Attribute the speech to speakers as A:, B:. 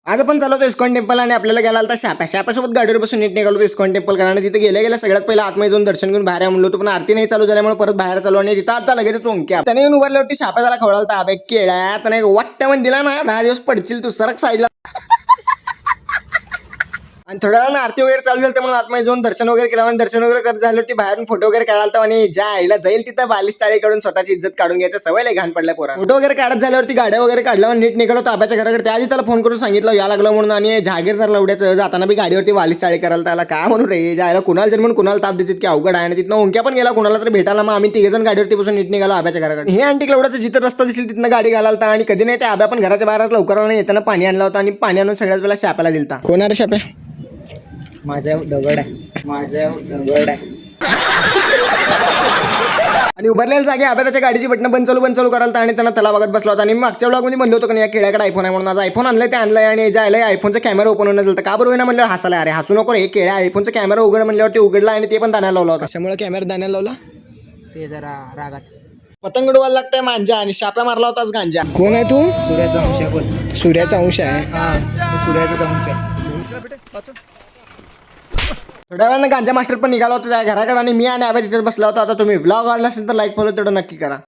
A: आज आपण चालवतो इस्कॉन टेम्पल आणि आपल्याला गेला होता शाप्यासोबत गाडीवर बसून नीट निघालो इस्कॉन टेम्पल कारण तिथे गेल्या सगळ्यात पहिला आतमध्ये जाऊन दर्शन घेऊन बाहेर म्हणलो होतो पण आरती नाही चालू झाल्यामुळे परत बाहेर चालू आणि तिथं आता लगेच चोंक्या त्याने येऊन उभारल्यावरती शाप्या त्याला खवळालता अबे केळ्या त्याने वाटतं म्हणून दिला ना 10 दिवस पडशील तू सरक साईडला आणि थोड्या वेळानं आरती वगैरे चालू झाली म्हणून आतमध्ये जाऊन दर्शन वगैरे केलं आणि दर्शन वगैरे करत झालं ती बाहेरून फोटो वगैरे काढालता आणि ज्या आईला जाईल तिथं 42 चाळी काढून स्वतःची इज्जत काढून घ्यायचं सवय लय घाण पडल्या पोरा फोटो वगैरे काढत झाल्यावरती गाड्या वगैरे काढल्या नीट निघालो ताब्याच्या घराकडे त्याआधी त्याला फोन करून सांगितलं या लागलं म्हणून आणि जहागीरदार लवड्याचं जाताना बी गाडीवरती 42 चाळी करायला त्याला काय म्हणून रे जायला कुणाला जर म्हणून कुणाला ताप देतात की अवघड आहे आणि तिथनं ओंक्या पण गेला कुणाला तर भेटायला मग आम्ही 3 जण गाडीवरती बसून नीट निघालो आब्याच्या घराकडे हे आंटी लवड्याचं जिथं रस्ता दिसेल तिथनं गाडी घालालता आणि कधी नाही ते आब्या पण घराच्या बाहेरच लवकर नाही येताना पाणी आणलं होतं आणि पाणी आणून सगळ्यात वेळेला शाप्याला दिलता कोणाला शाप्या
B: माझ्या दगड आहे
A: आणि उभारलेल्या जागे आब्या त्याच्या गाडीची बटणं बंद चालू करायला आणि त्यांना त्याला बघत बसला होता आणि मागच्या ब्लॉगमध्ये म्हणलं होतं की या केळ्याकडे आयफोन आहे म्हणून आज आयफोन आणलंय ते आणलंय आणि जायला आयफोनचा कॅमेरा ओपन होणं झालं का बरोबर ना म्हणलं हसायला अरे हसू नको रे केळ्या आयफोनचा कॅमेरा उघड म्हणल्यावरती उघडला आणि ते पण दाण्याला लावला होता त्यामुळे कॅमेरा दाण्याला लावला
B: ते जरा रागात
A: पतंग उडवायला लागतंय मांजा आणि शाप्या मारला होताच गांजा कोण आहे तू
B: सूर्याचा अंश आहे बोल
A: सूर्याचा अंश आहे
B: सूर्याचा अंश आहे
A: थोड्या वेळानं गांजा मास्टर पण निघाला होता त्या घराकडे आणि मी आणि आब्या तिथेच बसला होता आता तुम्ही व्लॉग आवडला असेल तर लाईक फॉलो तेवढं नक्की करा